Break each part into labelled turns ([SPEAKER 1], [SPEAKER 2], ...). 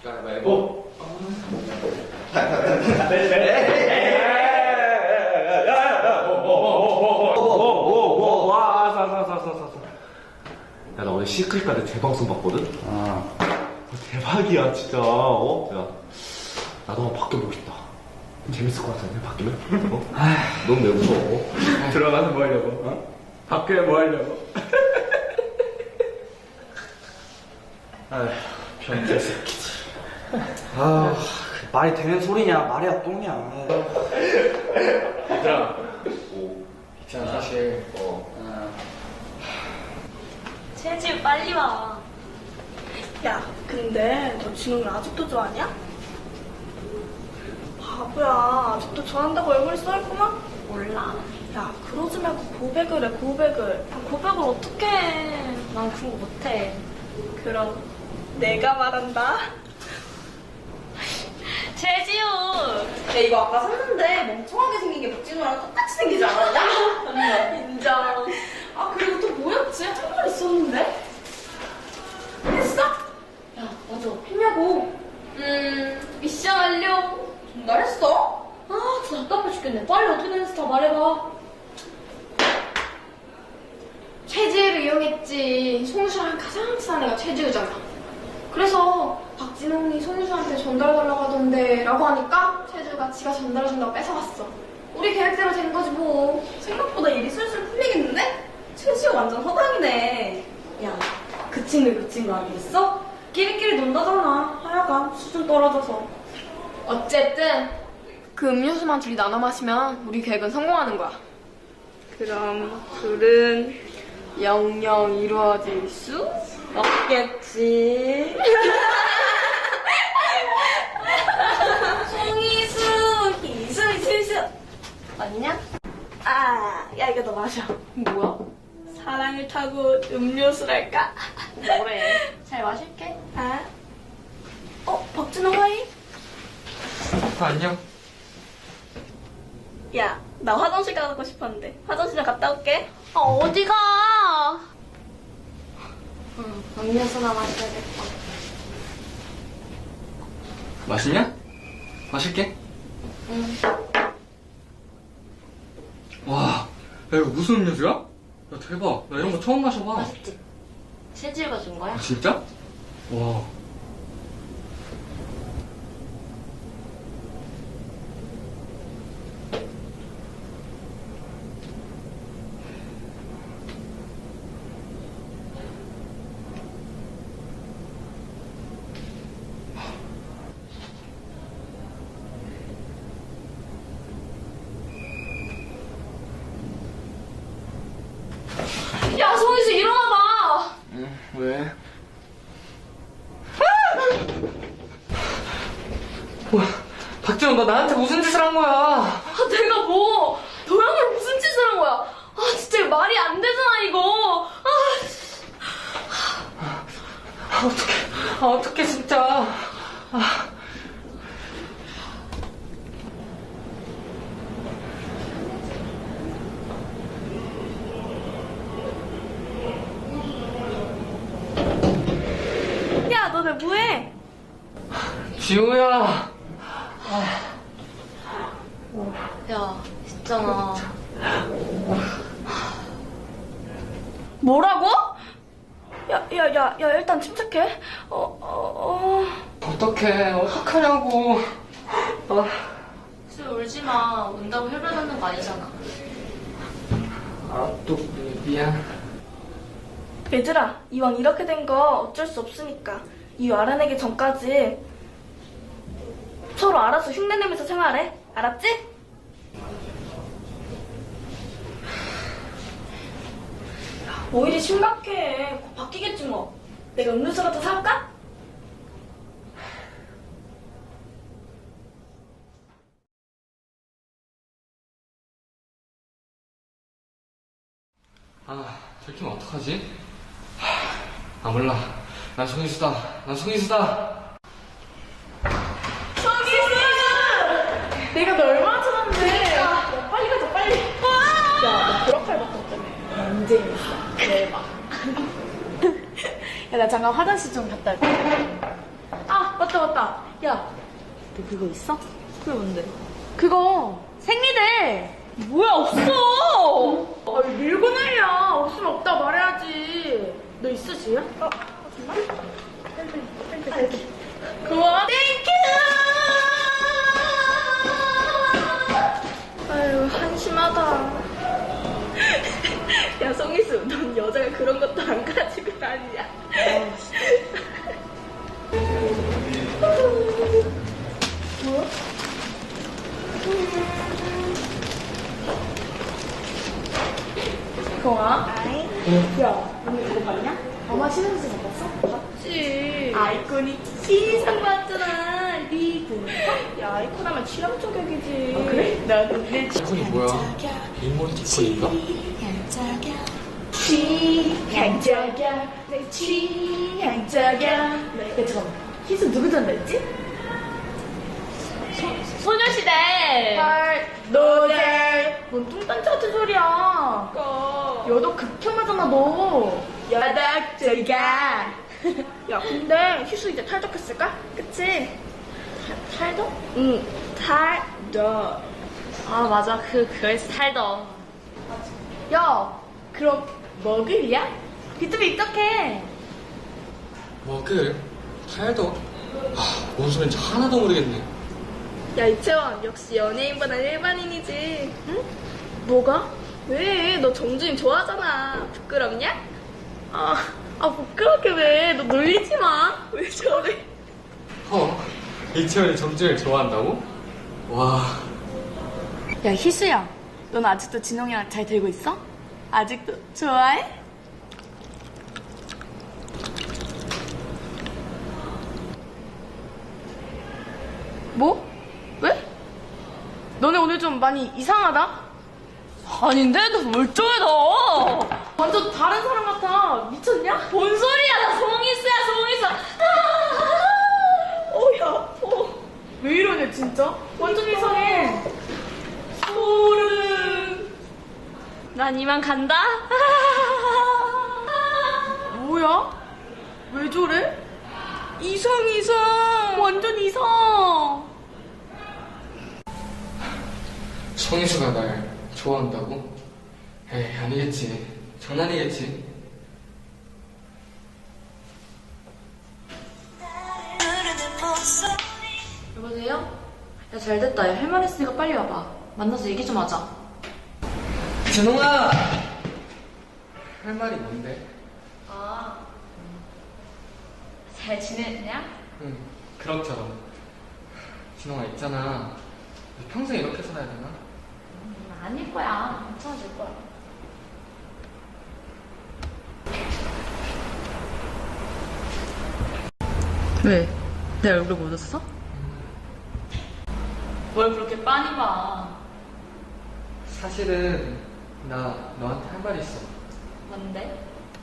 [SPEAKER 1] 가위바위보. 야, 나 오늘 시크릿까지 재방송 봤거든? 대박이야, 진짜. 야, 나도 한번 바뀌어보고 싶다. 재밌을 것 같은데, 바뀌면? 너무 왜 무서워?
[SPEAKER 2] 들어가서 뭐 하려고? 어? 밖에 뭐 하려고?
[SPEAKER 3] 아휴, 변태 새끼들. 말이 되는 소리냐, 말이야, 똥이야.
[SPEAKER 2] 얘들아, 있잖아, 사실.
[SPEAKER 4] 재지 빨리 와.
[SPEAKER 5] 야, 근데 너 진웅이 아직도 좋아하냐? 바보야, 아직도 좋아한다고 얼굴에 써있구만?
[SPEAKER 4] 몰라.
[SPEAKER 5] 야, 그러지 말고 고백을 해, 고백을.
[SPEAKER 4] 고백을 어떻게 해? 난 그런 거 못해.
[SPEAKER 5] 그럼 내가 말한다.
[SPEAKER 4] 재지우.
[SPEAKER 5] 야, 이거 아까 샀는데 멍청하게 생긴 게 박진우랑 똑같이 생기지 않았냐?
[SPEAKER 4] 인정.
[SPEAKER 5] 아, 그리고 또 뭐였지? 한 번 있었는데? 했어? 야, 맞아. 했냐고.
[SPEAKER 4] 미션 완료.
[SPEAKER 5] 정말 했어?
[SPEAKER 4] 아, 진짜 답답해 죽겠네. 빨리 어떻게 됐는지 다 말해봐.
[SPEAKER 6] 최지우를 이용했지. 송수랑 가장 친한 애가 최지우잖아. 그래서 박진홍이 송수한테 전달해달라고 하던데 라고 하니까 최지우가 지가 전달해준다고 뺏어갔어. 우리 계획대로 된 거지 뭐.
[SPEAKER 5] 생각보다 일이 술술 풀리겠는데? 최지우 완전 허당이네. 야, 그 친구 아니겠어? 끼리끼리 논다잖아. 하여간 수준 떨어져서.
[SPEAKER 6] 어쨌든 그 음료수만 둘이 나눠 마시면 우리 계획은 성공하는 거야.
[SPEAKER 5] 그럼 둘은
[SPEAKER 6] 영영 이루어질 수?
[SPEAKER 5] 없겠지. 송이수, 이수.
[SPEAKER 4] 아니냐?
[SPEAKER 5] 아, 야, 이거 너 마셔.
[SPEAKER 6] 뭐야?
[SPEAKER 5] 사랑을 타고 음료수랄까?
[SPEAKER 4] 뭐래? 잘 마실게.
[SPEAKER 5] 아? 박진호 화이?
[SPEAKER 2] 안녕.
[SPEAKER 5] 야, 나 화장실 가고 싶었는데. 화장실 좀 갔다 올게.
[SPEAKER 4] 어디가?
[SPEAKER 6] 음료수나 마셔야겠다.
[SPEAKER 2] 맛있냐? 마실게. 와, 야, 이거 무슨 음료수야? 야, 대박. 나 이런 거 처음 마셔봐.
[SPEAKER 4] 맛있지? 재지우가 준 거야?
[SPEAKER 2] 아, 진짜? 와.
[SPEAKER 6] 야, 송이수 일어나봐.
[SPEAKER 2] 왜? 뭐야, 박지원, 너 나한테 무슨 짓을 한 거야?
[SPEAKER 6] 아, 내가 뭐 도영이랑 무슨 짓을 한 거야? 아, 진짜 이거 말이 안 되잖아 이거.
[SPEAKER 2] 어떡해, 진짜.
[SPEAKER 5] 야, 너네 뭐해?
[SPEAKER 2] 지우야.
[SPEAKER 4] 야, 있잖아.
[SPEAKER 5] 뭐라고? 야, 일단 침착해.
[SPEAKER 2] 어떡하냐고.
[SPEAKER 4] 술 울지 마. 운다고 혈변하는 거 아니잖아.
[SPEAKER 2] 또, 미안.
[SPEAKER 5] 얘들아, 이왕 이렇게 된 거 어쩔 수 없으니까 이유 알아내기 전까지 서로 알아서 흉내내면서 생활해. 알았지? 야, 뭐 일이 심각해. 곧 바뀌겠지 뭐. 내가 음료수라도 사올까?
[SPEAKER 2] 들키면 어떡하지? 몰라. 난 송이수다.
[SPEAKER 5] 송이수! 내가 너 얼마나 찾았는데. 야, 빨리 가자, 빨리. 야, 너 보라칼 바꿨다며. 언제 있어? 대박. 야, 나 잠깐 화장실 좀 갔다 올게. 아, 맞다. 맞다. 야, 너 그거 있어? 그게 뭔데? 그거 생리대. 뭐야, 없어. 아니, 밀고 날려. 없으면 없다 말해야지. 너 있어, 지금? 정말? 고마워. 땡큐! 아유, 한심하다. 야, 송이수, 넌 여자가 그런 것도 안 가지고 다니냐? 뭐야? 경아? 야, 오늘 이거 봤냐? 엄마 신혼집 못 봤어? 봤지. 아이콘이 신상 봤잖아. 리브. 야, 아이콘 하면 취향 저격이지. 아, 그래? 나도 내
[SPEAKER 2] 이건이 뭐야? 이모티콘인가?
[SPEAKER 5] 취향 저격. 내 취향 저격. 야, 잠깐만. 희수 누구 전달했지?
[SPEAKER 4] 소녀시대.
[SPEAKER 5] 헐, 노델. 뭔 뚱딴지 같은 소리야. 여도 극혐하잖아, 너. 여덕저가. 야, 근데 희수 이제 탈덕했을까? 그치? 탈덕? 응, 탈덕.
[SPEAKER 4] 아, 맞아. 그거에서 살더.
[SPEAKER 5] 야, 그럼 머글이야? 비투비 입덕해.
[SPEAKER 2] 머글? 탈덕? 아, 뭔 소린지 하나도 모르겠네.
[SPEAKER 5] 야, 이채원, 역시 연예인보단 일반인이지. 응? 뭐가? 왜? 너 정주임 좋아하잖아. 부끄럽냐? 부끄럽게 왜? 너 놀리지 마. 왜 저래?
[SPEAKER 2] 이채원이 정준을 좋아한다고? 와.
[SPEAKER 5] 야, 희수야. 넌 아직도 진홍이랑 잘 되고 있어? 아직도 좋아해? 뭐? 왜? 너네 오늘 좀 많이 이상하다?
[SPEAKER 4] 아닌데? 너 멀쩡해, 너.
[SPEAKER 5] 완전 다른 사람 같아. 미쳤냐?
[SPEAKER 4] 뭔 소리야? 나 송이수야, 송이수.
[SPEAKER 5] 야, 아파. 왜 이러냐, 진짜? 완전 이상해. 소름.
[SPEAKER 4] 난 이만 간다.
[SPEAKER 5] 뭐야? 왜 저래? 이상. 완전 이상.
[SPEAKER 2] 성희수가 날 좋아한다고? 에이, 아니겠지. 장난이겠지.
[SPEAKER 4] 여보세요? 야, 잘됐다. 야, 할 말 있으니까 빨리 와봐. 만나서 얘기 좀 하자.
[SPEAKER 2] 진홍아! 할 말이 뭔데?
[SPEAKER 4] 잘 지냈냐?
[SPEAKER 2] 응, 그렇처럼. 진홍아, 있잖아. 평생 이렇게 살아야 되나?
[SPEAKER 4] 아닐 거야. 괜찮아질 거야. 왜? 내 얼굴 못 웃었어? 뭘 그렇게 빤히 봐.
[SPEAKER 2] 사실은 나 너한테 할 말이 있어.
[SPEAKER 4] 뭔데?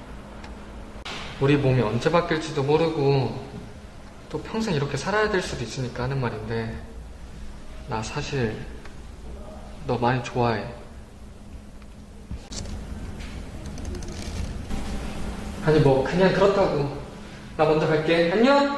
[SPEAKER 2] 우리 몸이 언제 바뀔지도 모르고 또 평생 이렇게 살아야 될 수도 있으니까 하는 말인데, 나 사실 너 많이 좋아해. 아니 뭐 그냥 그렇다고. 나 먼저 갈게. 안녕.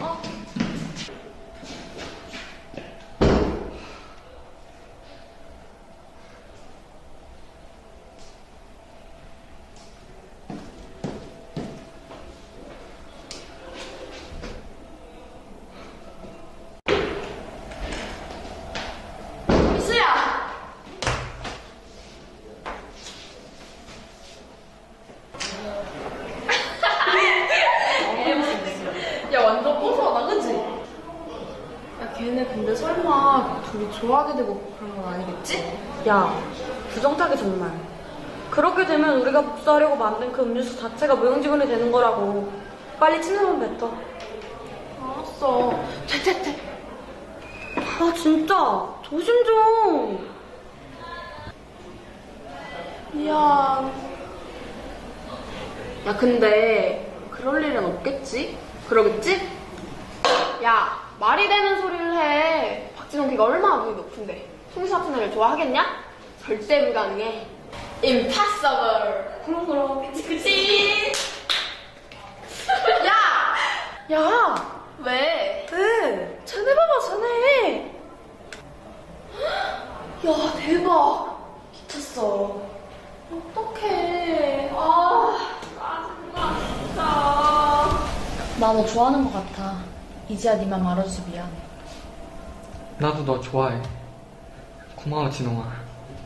[SPEAKER 6] 걔네 근데 설마 둘이 좋아하게 되고 그런 건 아니겠지? 야, 부정타기 정말. 그렇게 되면 우리가 복수하려고 만든 그 음료수 자체가 무용지물이 되는 거라고. 빨리 침대만 뱉어. 알았어. 퇴퇴퇴. 아, 진짜. 조심 좀. 미안. 야, 근데 그럴 일은 없겠지? 그러겠지? 야, 말이 되는 소리를 해. 박진홍 걔가 얼마나 눈이 높은데. 송수 같은 애를 좋아하겠냐? 절대 불가능해. Impossible. 그럼. 그치. 야! 야! 왜?
[SPEAKER 5] 왜? 쟤네 봐봐, 쟤네.
[SPEAKER 6] 야, 대박. 미쳤어. 어떡해. 아, 짜증나, 진짜.
[SPEAKER 4] 나 너 좋아하는 것 같아. 이제야 네 맘 알아줘서 미안해.
[SPEAKER 2] 나도 너 좋아해. 고마워, 진홍아.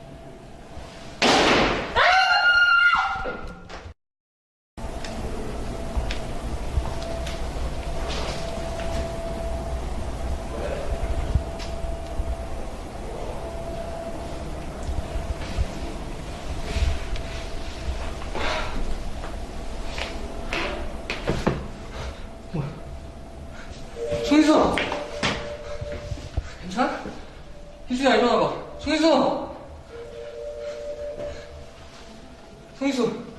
[SPEAKER 2] 송희수! 괜찮아? 희수야, 일어나봐. 송희수! 송희수!